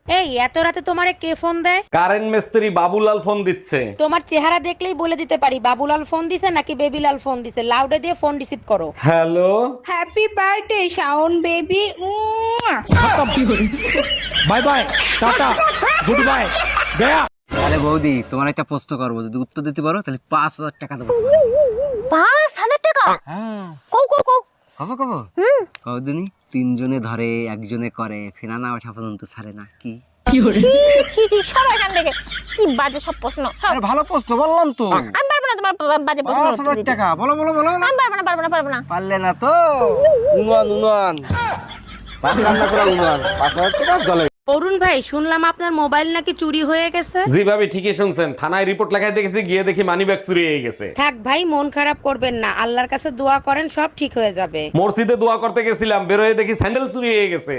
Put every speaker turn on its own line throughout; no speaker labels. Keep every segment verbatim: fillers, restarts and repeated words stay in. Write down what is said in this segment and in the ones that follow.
এই এত রাতে তোমারে কে ফোন দেয়?
কারেন্ট মিস্ত্রি বাবুলাল ফোন দিচ্ছে।
তোমার চেহারা দেখলেই বলে দিতে পারি বাবুলাল ফোন দিছে নাকি বেবিলাল ফোন দিছে। লাউডে দিয়ে ফোন রিসিভ করো।
Hello,
happy birthday Shaon baby.
Bye bye, tata, good bye, গয়া।
আরে বৌদি, তোমার একটা প্রশ্ন করবো, যদি উত্তর দিতে পারো তাহলে পাঁচ হাজার টাকা দেবো তোমায়।
পাঁচ হাজার টাকা?
হ্যাঁ,
কও কও কও।
কব কব কদিনই তিনজনে ধরে একজনে করে ফেনা না ওঠা পর্যন্ত ছাড়ে না। কি
ছি ছি ছি, সবাই এখান থেকে কি বাজে সব প্রশ্ন।
আরে ভালো প্রশ্ন বললাম তো।
আমি পারবো না তোমার বা- বাজে প্রশ্ন
পাঁচ হাজার টাকা বলো বলো বলো না।
আমি পারবো না পারবো না পারবো না।
পারলে না তো উনান উনান ভাত রান্না করা উনান পাঁচ হাজার টাকা জলে।
অরুণ ভাই, শুনলাম আপনার মোবাইল নাকি চুরি হয়ে গেছে।
জি ভাবি ঠিকই শুনছেন, থানায় রিপোর্ট লেখায় দেখেছি, গিয়ে দেখি মানি ব্যাগ চুরি হয়ে গেছে।
থাক ভাই, মন খারাপ করবেন না, আল্লাহর কাছে দোয়া করেন, সব ঠিক হয়ে যাবে।
মসজিদে দোয়া করতে গেছিলাম, বেরোয় দেখি স্যান্ডেল চুরি হয়ে গেছে।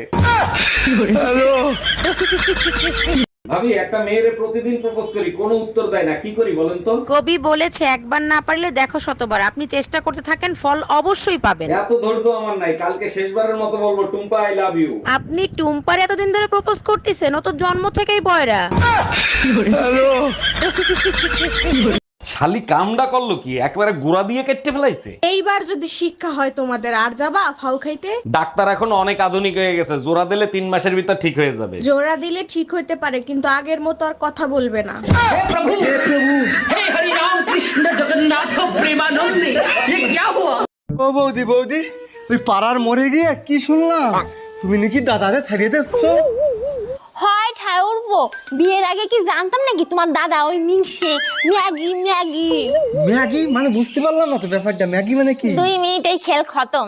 ভাবি, একটা মেয়েরে প্রতিদিন প্রপোজ করি, কোনো উত্তর দেয় না, কি করি বলেন তো?
কবি বলেছে একবার না পারলে দেখো শতবার। আপনি চেষ্টা করতে থাকেন, ফল অবশ্যই পাবেন।
এত ধৈর্য আমার নাই, কালকে শেষবারের মতো বলবো টুম্পা আই লাভ ইউ।
আপনি টুম্পার এতদিন ধরে প্রপোজ করতেছেন, ও তো জন্ম থেকেই বয়রা।
শালি কামডা করলো কি, একবারে গুড়া দিয়ে কেটে ফেলাইছে।
এইবার যদি শিক্ষা হয় তোমাদের, আর যাবা ফাউ খাইতে?
ডাক্তার এখন অনেক আধুনিক হয়ে গেছে, জোড়া দিলে তিন মাসের ভিতর ঠিক হয়ে যাবে।
জোড়া দিলে ঠিক হইতে পারে, কিন্তু আগের মতো আর কথা বলবে না।
ও বৌদি বৌদি, ওই পাড়ার মরে গিয়ে কি শুনলাম, তুমি নাকি দাদারে ছাড়িয়ে দিচ্ছ?
হয় ঠায় উঠবো। বিয়ের আগে কি জানতাম নাকি তোমার দাদা ওই মিংসে ম্যাগি ম্যাগি।
ম্যাগি মানে বুঝতে পারলাম না তো ব্যাপারটা, ম্যাগি মানে কি?
দুই মিনিটেই খেল খতম।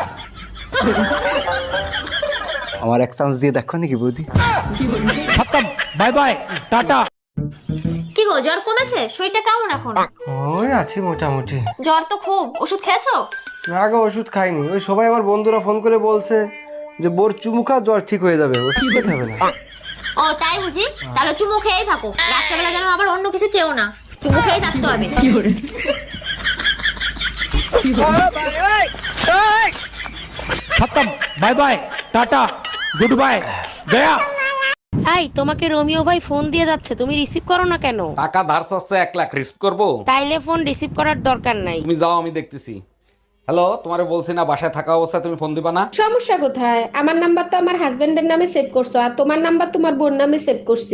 আমার এক চান্স দিয়ে দেখো নাকি বৌদি।
খতম, বাই বাই, টাটা।
কি গো, জ্বর কমেছে? শরীরটা কেমন এখন?
ওই আছি মোটামুটি।
জ্বর তো খুব, ওষুধ খেয়েছো?
না গো, ওষুধ খাইনি। ওই সবাই আমার বন্ধুরা ফোন করে বলছে যে বোর চুমু খা, জ্বর ঠিক হয়ে যাবে। ওষুধ খেতে হবে না।
ও তাই বুঝি? তাহলে চুমু খেয়েই থাকো, রাত্রেবেলা যেন আবার অন্য কিছু চেও না, চুমু খেয়েই থাকতে হবে।
খতম, bye bye, tata, good bye, গয়া।
এই, তোমাকে রোমিও ভাই ফোন দিয়ে যাচ্ছে, তুমি রিসিভ করো না কেন?
টাকা ধার চাচ্ছে এক লাখ, রিস্ক করবো?
তাইলে ফোন রিসিভ করার দরকার নাই।
তুমি যাও, আমি দেখতেছি। হ্যালো, তোমারে বলছি না বাসায় থাকা অবস্থায় তুমি ফোন দিবা না?
সমস্যা কোথায়? আমার নাম্বার তো আমার হাজবেন্ডের নামে সেভ করছো, আর তোমার নাম্বার তোমার বোন নামে সেভ করছি।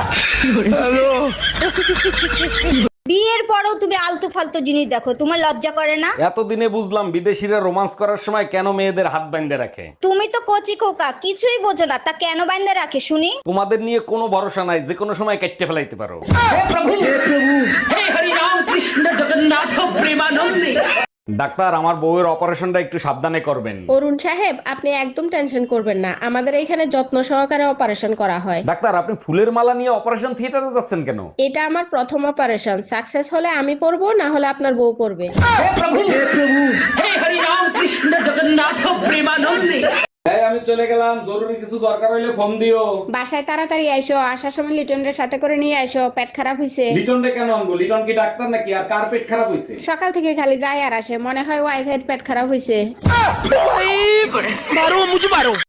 বিয়ের পরেও তুমি আলতু ফালতু জিনিস দেখো, তোমার লজ্জা করে না?
এতদিনে বুঝলাম বিদেশিরা রোমান্স করার সময় কেন মেয়েদের হাত বাইন্ধে রাখে।
তুমি তো কচি খোকা, কিছুই বোঝো না, তা কেন বাইন্ধে রাখে শুনি?
তোমাদের নিয়ে কোনো ভরসা নাই, যে কোনো সময় কেটে ফেলাইতে পারো। ডাক্তার, আমার বউয়ের অপারেশনটা একটু সাবধানে করবেন।
অরুণ সাহেব, আপনি একদম টেনশন করবেন না, আমাদের এখানে যত্ন সহকারে অপারেশন করা হয়।
ডাক্তার, আপনি ফুলের মালা নিয়ে অপারেশন থিয়েটারে যাচ্ছেন কেন?
এটা আমার প্রথম অপারেশন, সাকসেস হলে আমি পড়বো, না হলে আপনার বউ পড়বে।
এই, আমি চলে গেলাম, জরুরি কিছু দরকার হইলে ফোন দিও।
বাসায় তাড়াতাড়ি আইসো, আসার সময় লিটনের সাথে করে নিয়ে আইসো, পেট খারাপ হইছে।
লিটন রে কেন আনবো? লিটন কি ডাক্তার নাকি? আর কার পেট খারাপ হইছে?
সকাল থেকে খালি যায় আর আসে, মনে হয় ওয়াইফাই পেট খারাপ হইছে।